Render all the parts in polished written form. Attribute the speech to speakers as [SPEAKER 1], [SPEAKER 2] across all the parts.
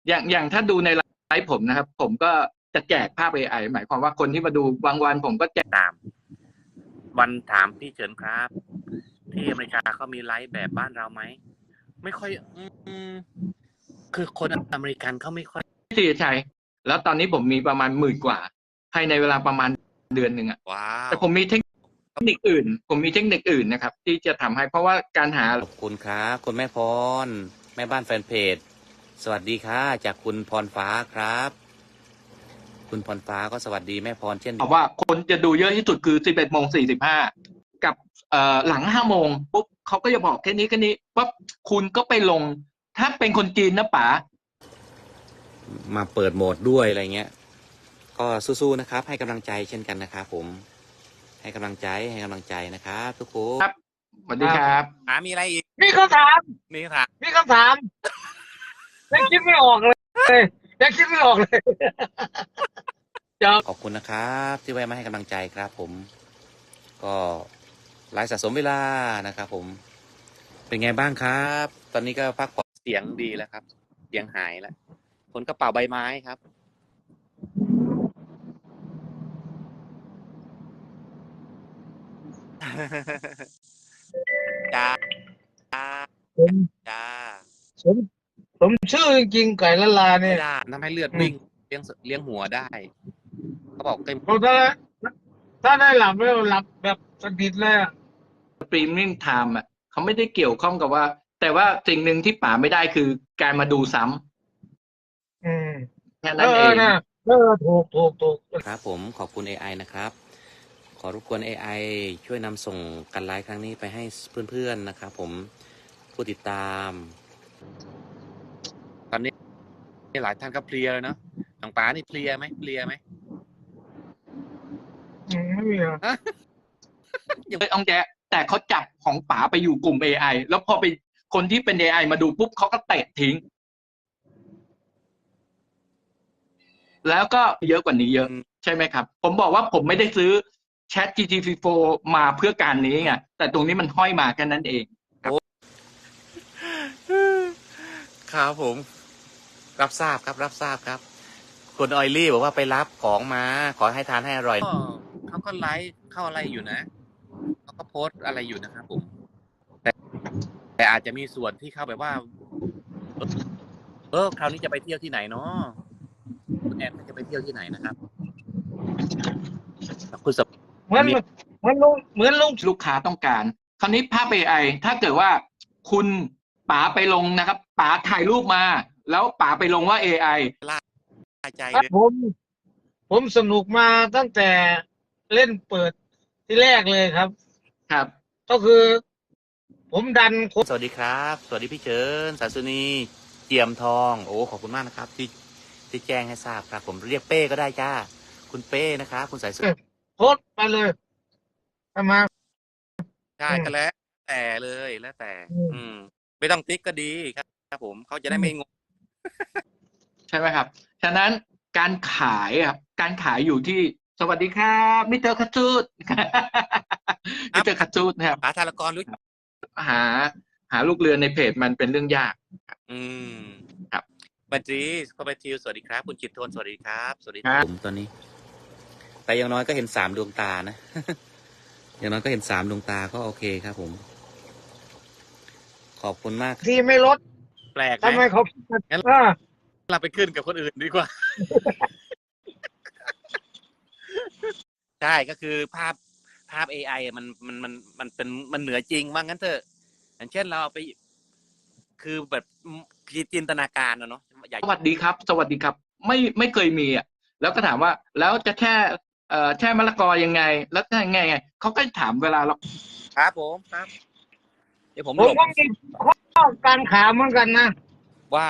[SPEAKER 1] อย่างถ้าดูในไลฟ์ผมนะครับผมก็จะแจกภาพ AI หมายความว่าคนที่มาดูบางวันผมก็แจก
[SPEAKER 2] ตามวันถามพี่เฉินครับที่อเมริกาเขามีไลฟ์แบบบ้านเราไหมไม่ค่อยคือคนอเมริกันเขาไม่ค่อย
[SPEAKER 1] ที่ใช้แล้วตอนนี้ผมมีประมาณ10,000 กว่าภายในเวลาประมาณเดือนหนึ่งอ่ะ
[SPEAKER 2] ว้าว
[SPEAKER 1] แต่ผมมีเทคนิคอื่นนะครับที่จะทำให้เพราะว่าการหา
[SPEAKER 2] ขอบคุณครับคุณแม่พรแม่บ้านแฟนเพจสวัสดีค่ะจากคุณพรฟ้าครับคุณพรฟ้าก็สวัสดีแม่พรเช่น
[SPEAKER 1] บอกว่าคนจะดูเยอะที่สุดคือ11:45กับหลัง5 โมงปุ๊บเขาก็จะบอกแค่นี้ปั๊บคุณก็ไปลงถ้าเป็นคนจีนนะป๋า
[SPEAKER 2] มาเปิดโหมดด้วยอะไรเงี้ยก็สู้ๆนะครับให้กำลังใจเช่นกันนะครับผมให้กำลังใจนะครับทุกคน
[SPEAKER 1] ครับสวัสดีครับ
[SPEAKER 2] มีอะไรอีก
[SPEAKER 3] มีคำถามยังคิดไม่ออกเลยยังคิดไม่ออกเลย
[SPEAKER 2] ขอบคุณนะครับที่แวะมาให้กำลังใจครับผมก็ไลฟ์สะสมเวลานะครับผมเป็นไงบ้างครับตอนนี้ก็พักผ่อนเสียงดีแล้วครับเสียงหายแล้วคนกระเป๋าใบไม้ครับจ้า
[SPEAKER 3] ผม
[SPEAKER 2] จ้า
[SPEAKER 3] ผมผมชื่อจริงๆไก่ละลา
[SPEAKER 2] ไม่
[SPEAKER 3] เนี่ย
[SPEAKER 2] ได้ทำให้เลือดวิ่งเลี้ยงหัวได้เขาบอกเต็ม
[SPEAKER 3] ผมถ้าได้หลับแล้วหลับแบบสนิทเลย
[SPEAKER 1] สตรีมมิ่งไทม์อ่ะเขาไม่ได้เกี่ยวข้องกับว่าแต่ว่าสิ่งหนึ่งที่ป๋าไม่ได้คือการมาดูซ้ำแค่นั้นเอง
[SPEAKER 3] นะถูก
[SPEAKER 2] ครับผมขอบคุณ AI นะครับขอรบกวน AI ช่วยนำส่งกันไลฟ์ครั้งนี้ไปให้เพื่อนๆนะครับผมผู้ติดตามตอนนี้หลายท่านก็เพลียเลยเนาะทางป๋านี่เพลียไหม
[SPEAKER 3] ไม่มีอ่ะ
[SPEAKER 1] เลยอองแจแต่เขาจับของป๋าไปอยู่กลุ่ม AI แล้วพอไปคนที่เป็น AI มาดูปุ๊บเขาก็เตะทิ้งแล้วก็เยอะกว่านี้เยอะใช่ไหมครับผมบอกว่าผมไม่ได้ซื้อ Chat GPT-4 มาเพื่อการนี้ไงแต่ตรงนี้มันห้อยมาแค่นั้นเอง
[SPEAKER 2] ครับผมรับทราบครับคุณออยลี่บอกว่าไปรับของมาขอให้ทานให้อร่อยเขาก็ไลฟ์เข้าอะไรอยู่นะเขาก็โพสอะไรอยู่นะครับผมแต่อาจจะมีส่วนที่เข้าแบบว่าคราวนี้จะไปเที่ยวที่ไหนเนาะคุณแอนจะไปเที่ยวที่ไหนนะครับคุณส
[SPEAKER 3] เหมือนลุง
[SPEAKER 1] ลูกค้าต้องการคราวนี้ภาพ AI ถ้าเกิดว่าคุณป๋าไปลงนะครับป๋าถ่ายรูปมาแล้วป๋าไปลงว่า AI
[SPEAKER 2] ล่าใจ
[SPEAKER 3] ครับ
[SPEAKER 2] เลย
[SPEAKER 3] ผมสนุกมาตั้งแต่เล่นเปิดที่แรกเลยครับก็คือผมดัน
[SPEAKER 2] สวัสดีครับสวัสดีพี่เฉินสาสุนีเจียมทองโอ้ขอบคุณมากนะครับที่แจ้งให้ทราบครับผมเรียกเป้ก็ได้จ้าคุณเป้นะครับคุณสายสุ
[SPEAKER 3] โพสต์ไปเลยประมาณ
[SPEAKER 2] ใช่ก็แล้วแต่เลยแล้วแต่ไม่ต้องติ๊กก็ดีครับผมเขาจะได้ไม่งง
[SPEAKER 1] ใช่ไหมครับฉะนั้นการขายครับการขายอยู่ที่สวัสดีครับมิสเตอร์คัตซูดมิสเตอร์คัตซูดนะครับ
[SPEAKER 2] หาธารกรรู้
[SPEAKER 1] หาหาลูกเรือในเพจมันเป็นเรื่องยากครับ
[SPEAKER 2] บัญชีเข้าไปทิวสวัสดีครับคุณจิตโทนสวัสดีครับสวัสดีครับผมตอนนี้แต่อย่างน้อยก็เห็น3 ดวงตานะอย่างน้อยก็เห็น3 ดวงตาก็โอเคครับผมขอบคุณมาก
[SPEAKER 3] ที่ไม่ลด
[SPEAKER 2] แปลกไหม
[SPEAKER 3] ทำไมเขา
[SPEAKER 2] งั้นเราไปขึ้นกับคนอื่นดีกว่าใช่ก็คือภาพ AI มันเป็นมันเหนือจริงว่างั้นเถอะอย่างเช่นเราไปคือแบบจินตนาการเนาะ
[SPEAKER 1] สวัสดีครับสวัสดีครับไม่เคยมีอ่ะแล้วก็ถามว่าแล้วจะแช่มะละกอยังไงแล้วจะไงเขาก็ถามเวลาเรา
[SPEAKER 2] ครับผมครับเดี๋ยวผม
[SPEAKER 3] ก็มีข้อการขาเหมือนกันนะ
[SPEAKER 2] ว่า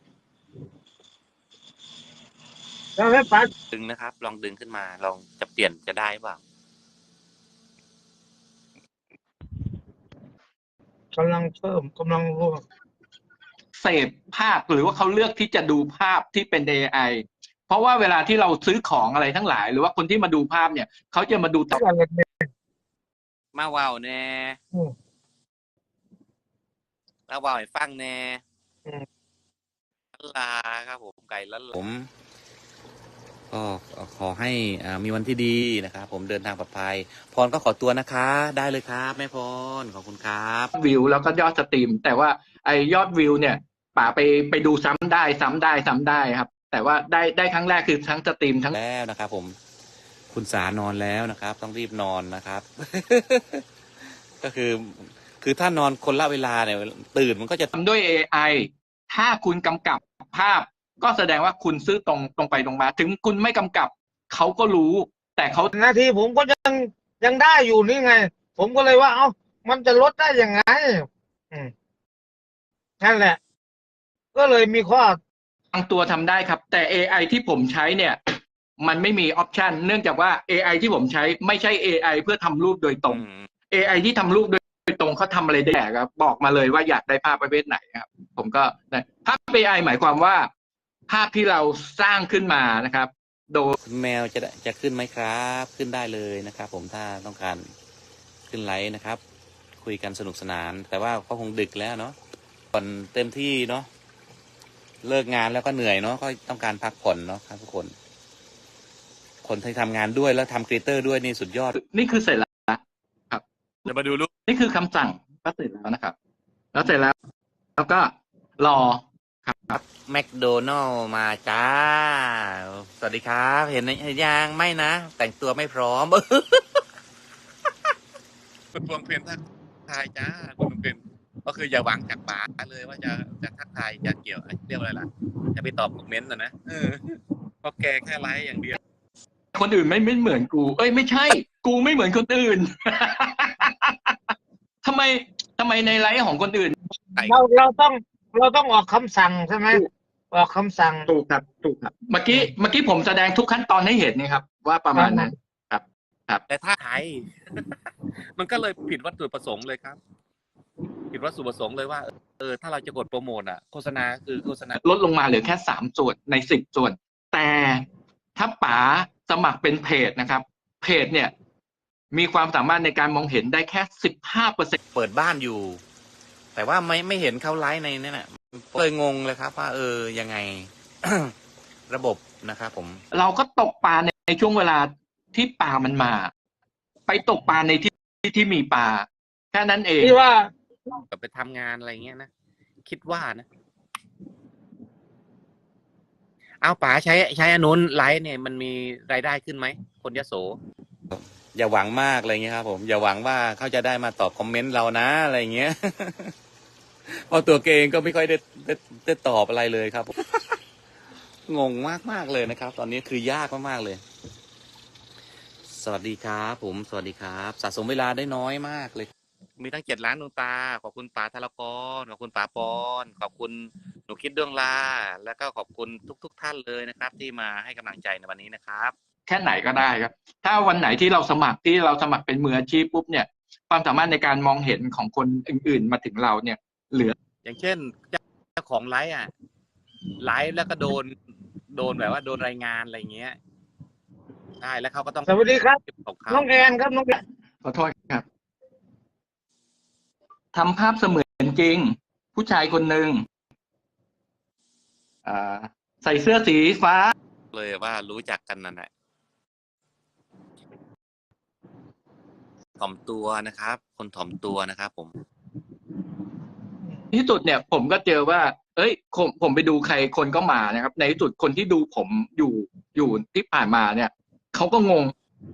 [SPEAKER 3] เราให้ปัด
[SPEAKER 2] ดึงนะครับลองดึงขึ้นมาลองจะเปลี่ยนจะได้เปล่าก
[SPEAKER 3] ำลังรู้
[SPEAKER 1] เสพภาพหรือว่าเขาเลือกที่จะดูภาพที่เป็น AI เพราะว่าเวลาที่เราซื้อของอะไรทั้งหลายหรือว่าคนที่มาดูภาพเนี่ยเขาจะมาดูต่อ
[SPEAKER 2] มาว่าวแน่แล้วว่าวให้ฟังแน่ลาครับผมไก่ล้านลาผมก็ขอให้มีวันที่ดีนะครับผมเดินทางปลอดภัยพรก็ขอตัวนะคะได้เลยครับแม่พรขอบคุณครับ
[SPEAKER 1] วิวแล้วก็ยอดสตรีมแต่ว่าไอยอดวิวเนี่ยป๋าไปดูซ้ำได้ครับแต่ว่าได้ครั้งแรกคือทั้งสตรีมทั้ง
[SPEAKER 2] แล้วนะครับผมคุณสานอนแล้วนะครับต้องรีบนอนนะครับ ก็คือถ้านอนคนละเวลาเนี่ยตื่นมันก็จะ
[SPEAKER 1] ทำด้วย AI ถ้าคุณกำกับภาพก็แสดงว่าคุณซื่อตรงไปตรงมาถึงคุณไม่กำกับเขาก็รู้แต่เขา
[SPEAKER 3] หน้าที่ผมก็ยังได้อยู่นี่ไง ผมก็เลยว่าเอ้ามันจะลดได้ยังไงนั่นแหละ ก็เลยมีข้
[SPEAKER 1] บางตัวทำได้ครับแต่ AI ที่ผมใช้เนี่ยมันไม่มีออปชันเนื่องจากว่า AI ที่ผมใช้ไม่ใช่ AI เพื่อทำรูปโดยตรง AI ที่ทำรูปโดยตรงเขาทำอะไรได้ครับบอกมาเลยว่าอยากได้ภาพประเภทไหนครับผมก็ภาพ AI หมายความว่าภาพที่เราสร้างขึ้นมานะครับโดย
[SPEAKER 2] แมวจะขึ้นไหมครับขึ้นได้เลยนะครับผมถ้าต้องการขึ้นไลฟ์นะครับคุยกันสนุกสนานแต่ว่าก็คงดึกแล้วเนาะผ่อนเต็มที่เนาะเลิกงานแล้วก็เหนื่อยเนาะก็ต้องการพักผ่อนเนาะครับทุกคนที่ทำงานด้วยแล้วทำครีเอเตอร์ด้วยนี่สุดยอด
[SPEAKER 1] นี่คือเสร็จแล้วครับ
[SPEAKER 2] เดี๋ยวมาดูรูป
[SPEAKER 1] นี่คือคำสั่งก็เสร็จแล้วนะครับแล้วเสร็จแล้วก็รอครับ
[SPEAKER 2] แมคโดนัลล์มาจ้าสวัสดีครับเห็นยังไม่นะแต่งตัวไม่พร้อมคุณพวงเพียนทักทายจ้าคุณพวงเพียนก็คืออย่าหวังจากป๋าเลยว่าจะทักทายจะเกี่ยวเรียกว่าอะไรล่ะจะไปตอบคอมเมนต์นะเพราะแกแค่ไลฟ์อย่างเดียว
[SPEAKER 1] คนอื่นไม่เหมือนกูไม่ใช่กูไม่เหมือนคนอื่น ทำไมในไลฟ์ของคนอื่น
[SPEAKER 3] เราต้องออกคำสั่งใช่ไหมออกคำสั่ง
[SPEAKER 1] ถูกครับเมื่อกี้ผมแสดงทุกขั้นตอนให้เห็นนะครับว่าประมาณนั้นครับ
[SPEAKER 2] แต่ถ้าไทย มันก็เลยผิดวัตถุประสงค์เลยครับผิดวัตถุประสงค์เลยว่าถ้าเราจะกดโปรโมทโฆษณาคือโฆษณา
[SPEAKER 1] ลดลงมาเหลือแค่3 ส่วนใน10 ส่วนแต่ถ้าป๋าสมัครเป็นเพจนะครับเพจเนี่ยมีความสามารถในการมองเห็นได้แค่15%
[SPEAKER 2] เปิดบ้านอยู่แต่ว่าไม่เห็นเขาไลฟ์ในนั่นน่ะเลยงงเลยครับว่ายังไง ระบบนะครับผม
[SPEAKER 1] เราก็ตกปลาในช่วงเวลาที่ปลามันมาไปตกปลาในที่มีปลาแค่นั้นเอง
[SPEAKER 3] ที่ว่า
[SPEAKER 2] ไปทำงานอะไรเงี้ยนะคิดว่านะเอาป๋าใช้อนุนไลฟ์เนี่ยมันมีรายได้ขึ้นไหมคนยโสอย่าหวังมากอะไรเงี้ยครับผมอย่าหวังว่าเขาจะได้มาตอบคอมเมนต์เรานะอะไรเงี้ยเพราะตัวเองก็ไม่ค่อยได้ตอบอะไรเลยครับงงมากเลยนะครับตอนนี้คือยากมากๆเลยสวัสดีครับผมสวัสดีครับสะสมเวลาได้น้อยมากเลยมีทั้ง7 ล้านดวงตาขอบคุณป๋าธารกรขอบคุณป๋าปอนขอบคุณหนูคิดดวงลาแล้วก็ขอบคุณทุกท่านเลยนะครับที่มาให้กำลังใจในวันนี้นะครับ
[SPEAKER 1] แค่ไหนก็ได้ครับถ้าวันไหนที่เราสมัครเป็นมืออาชีพปุ๊บเนี่ยความสามารถในการมองเห็นของคนอื่นๆมาถึงเราเนี่ยเหลือ
[SPEAKER 2] อย่างเช่นเจ้าของไลฟ์ไลฟ์แล้วก็โดนแบบว่าโดนรายงานอะไรเงี้ยใช่แล้วเขาก็ต้อง
[SPEAKER 3] สวัสดีครับน้องแอนครับน้องแอน
[SPEAKER 1] ขอโทษครับทำภาพเสมือนจริงผู้ชายคนหนึ่งใส่เสื้อสีฟ้า
[SPEAKER 2] เลยว่ารู้จักกันนั่นแหละถ่อมตัวนะครับคนถ่อมตัวนะครับผม
[SPEAKER 1] ที่สุดเนี่ยผมก็เจอว่าผมไปดูใครคนก็มานะครับในที่สุดคนที่ดูผมอยู่ที่ผ่านมาเนี่ยเขาก็งง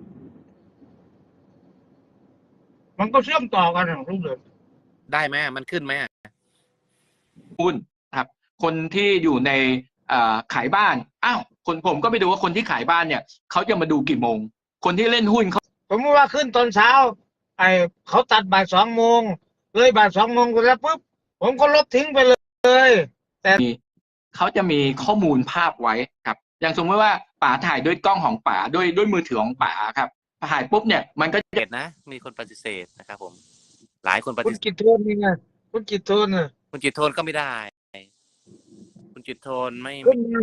[SPEAKER 3] มันก็เชื่อมต่อกันทุกเดือน
[SPEAKER 2] ได้ไหมมันขึ้นไหม
[SPEAKER 1] คุณครับ คนที่อยู่ในขายบ้านผมก็ไปดูว่าคนที่ขายบ้านเนี่ยเขาจะมาดูกี่โมงคนที่เล่นหุ้นเขา
[SPEAKER 3] ผมว่าขึ้นตอนเช้าเขาตัดบ่าย2 โมงเลยบ่าย2 โมงไปแล้วปุ๊บผมก็ลบทิ้งไปเลยแต่
[SPEAKER 1] เขาจะมีข้อมูลภาพไว้ครับอย่างสมมติว่าป๋าถ่ายด้วยกล้องของป๋าด้วยมือถือของป๋าครับถ่ายปุ๊บเนี่ยมันก็
[SPEAKER 2] จะนะมีคนปฏิเสธนะครับผมหลายคนปฏิเสธ
[SPEAKER 3] คุณกิตโทนนี่ไงคุณกิตโทน
[SPEAKER 2] คุณจิตโทนก็ไม่ได้คุณจิตโทนไม่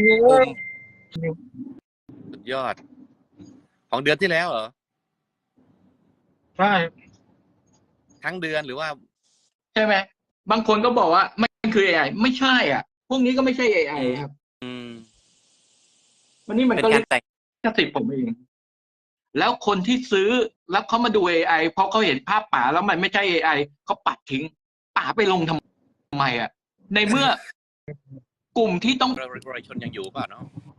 [SPEAKER 2] สุดยอดของเดือนที่แล้วเหรอ
[SPEAKER 3] ใช่
[SPEAKER 2] ทั้งเดือนหรือว่า
[SPEAKER 1] ใช่ไหมบางคนก็บอกว่ามันคือ AI ไม่ใช่พวกนี้ก็ไม่ใช่ AI ครับ
[SPEAKER 2] อืม
[SPEAKER 1] วันนี้มัน
[SPEAKER 2] เป็น
[SPEAKER 1] ก็
[SPEAKER 2] กา
[SPEAKER 1] เรี
[SPEAKER 2] ร
[SPEAKER 1] ยก
[SPEAKER 2] แต่ง
[SPEAKER 1] ลิขสิทธิ์ผมเอง แล้วคนที่ซื้อแล้วเขามาดู AI เพราะเขาเห็นภาพป๋าแล้วมันไม่ใช่ AI เขาปัดทิ้งป๋าไปลงทำไมอ่ะในเมื่อกลุ่มที่ต้อง
[SPEAKER 2] ประชาชนยังอยู่เปล่าเนาะ